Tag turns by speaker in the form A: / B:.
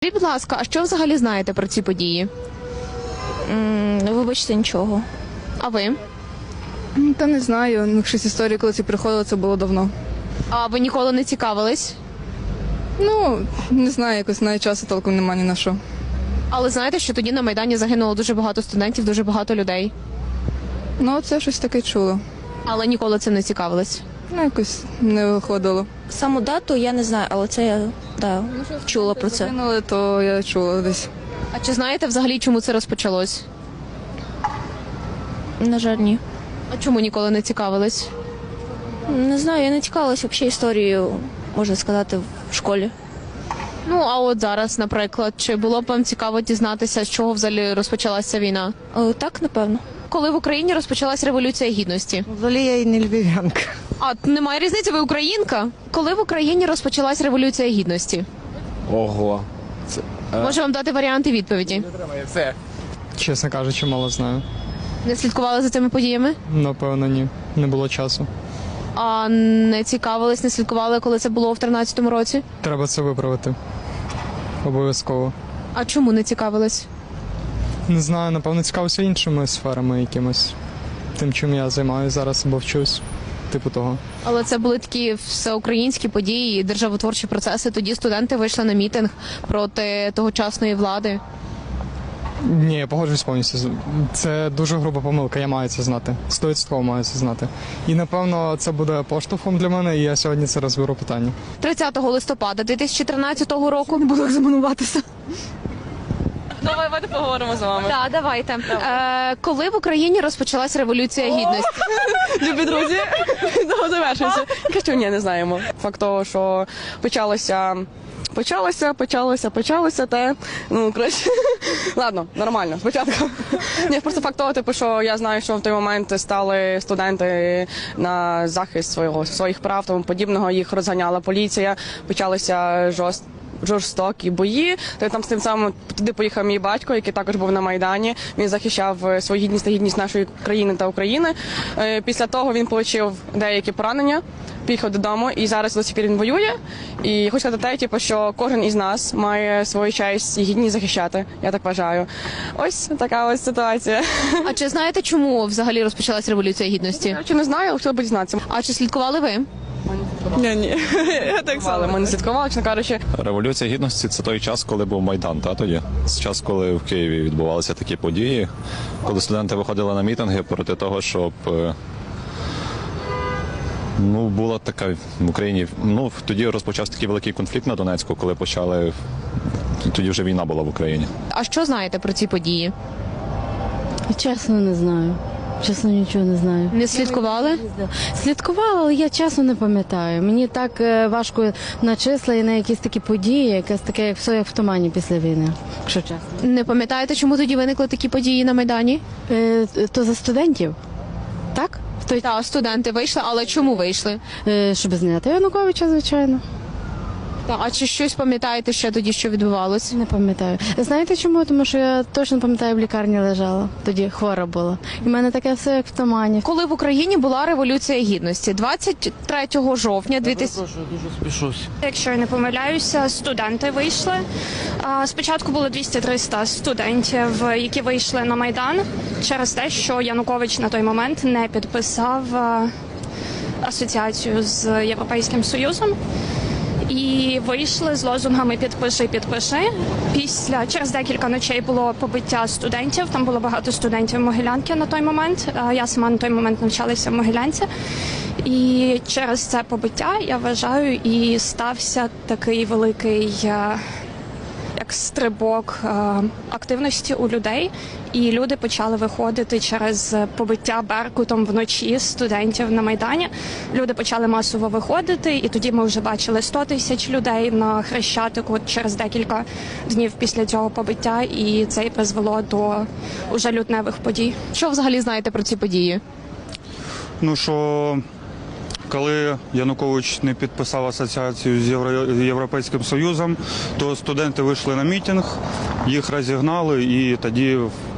A: Скажіть, будь ласка, а що взагалі знаєте про ці події?
B: Вибачте, нічого.
A: А ви?
C: Та не знаю, щось історії, коли це приходило, це було давно.
A: А ви ніколи не цікавились?
C: Не знаю, якось навіть часу толком немає ні на що.
A: Але знаєте, що тоді на Майдані загинуло дуже багато студентів, дуже багато людей.
C: Це щось таке чуло.
A: Але ніколи цим не цікавились.
C: Якось не виходило.
B: Саму дату я не знаю, але це я чула про це.
C: Загинули, то я чула десь.
A: А чи знаєте взагалі, чому це розпочалось?
B: На жаль, ні.
A: А чому ніколи не цікавились?
B: Не знаю, я не цікавилася взагалі історією, можна сказати, в школі.
A: А от зараз, наприклад, чи було б вам цікаво дізнатися, з чого взагалі розпочалася війна?
B: Так, напевно.
A: Коли в Україні розпочалась Революція Гідності?
D: Взагалі я і не львів'янка.
A: А немає різниці, ви українка? Коли в Україні розпочалась Революція Гідності?
E: Ого.
A: Можу вам дати варіанти відповіді.
F: Чесно кажучи, мало знаю.
A: Не слідкували за цими подіями?
F: Напевно, ні. Не було часу.
A: А не цікавились, не слідкували, коли це було в 13-му році?
F: Треба це виправити. Обов'язково.
A: А чому не цікавились?
F: Не знаю, напевно, цікавився іншими сферами якимось. Тим, чим я займаюся зараз або вчусь. Типу того.
A: Але це були такі всеукраїнські події, державотворчі процеси. Тоді студенти вийшли на мітинг проти тогочасної влади.
F: Ні, я погоджуюсь повністю. Це дуже груба помилка, я маю це знати. 100% маю це знати. І, напевно, це буде поштовхом для мене, і я сьогодні це розберу питання.
A: 30 листопада 2013 року.
C: Не буду екзаменуватися.
A: Давайте поговоримо з вами. Так, давайте. Коли в Україні розпочалась Революція Гідності?
G: Любі друзі, завершується. Що ні, не знаємо. Факт того, що почалося те. Коротше, ладно, нормально, спочатку. Ні, просто факт того, що я знаю, що в той момент стали студенти на захист своїх прав, тому подібного, їх розганяла поліція, почалися жорстокі бої. Там з тим самим туди поїхав мій батько, який також був на Майдані. Він захищав свою гідність та гідність нашої країни та України. Після того він отримав деякі поранення, поїхав додому, і зараз до сих пір він воює. І хочу сказати те, що кожен із нас має свою честь і гідність захищати. Я так вважаю. Ось така ось ситуація.
A: А чи знаєте, чому взагалі розпочалась Революція Гідності?
G: Чи не знаю, але хотіла б дізнатися.
A: А чи слідкували ви?
G: Ні. Я так само. Ми не слідкували, чесно кажучи.
E: Революція Гідності – це той час, коли був Майдан, тоді? Це час, коли в Києві відбувалися такі події, коли студенти виходили на мітинги проти того, щоб була така в Україні. Тоді розпочався такий великий конфлікт на Донецьку, коли тоді вже війна була в Україні.
A: А що знаєте про ці події?
H: Чесно, не знаю. Чесно, нічого не знаю.
A: Не слідкували?
H: Слідкувала, але я чесно не пам'ятаю. Мені так важко на числа і на якісь такі події, якесь таке, як все як в тумані після війни, якщо чесно.
A: Не пам'ятаєте, чому тоді виникли такі події на Майдані?
H: То за студентів, так?
A: Так, студенти вийшли, але чому вийшли?
H: Щоб зняти Януковича, звичайно.
A: А чи щось пам'ятаєте ще тоді, що відбувалося?
H: Не пам'ятаю. Знаєте чому? Тому що я точно пам'ятаю, в лікарні лежала. Тоді хвора була. І в мене таке все як в тумані.
A: Коли в Україні була Революція Гідності? 23 жовтня 2000...
I: Дуже спішусь.
J: Якщо я не помиляюся, студенти вийшли. Спочатку було 200-300 студентів, які вийшли на Майдан через те, що Янукович на той момент не підписав асоціацію з Європейським Союзом. І вийшли з лозунгами «Підпиши, підпиши». Через декілька ночей було побиття студентів. Там було багато студентів Могилянки на той момент. Я сама на той момент навчалася в Могилянці. І через це побиття, я вважаю, і стався такий великий як стрибок активності у людей. І люди почали виходити через побиття Беркутом вночі студентів на Майдані. Люди почали масово виходити, і тоді ми вже бачили 100 тисяч людей на Хрещатику через декілька днів після цього побиття, і це і призвело до уже лютневих подій.
A: Що взагалі знаєте про ці події?
I: Що коли Янукович не підписав асоціацію з Європейським Союзом, то студенти вийшли на мітинг, їх розігнали, і тоді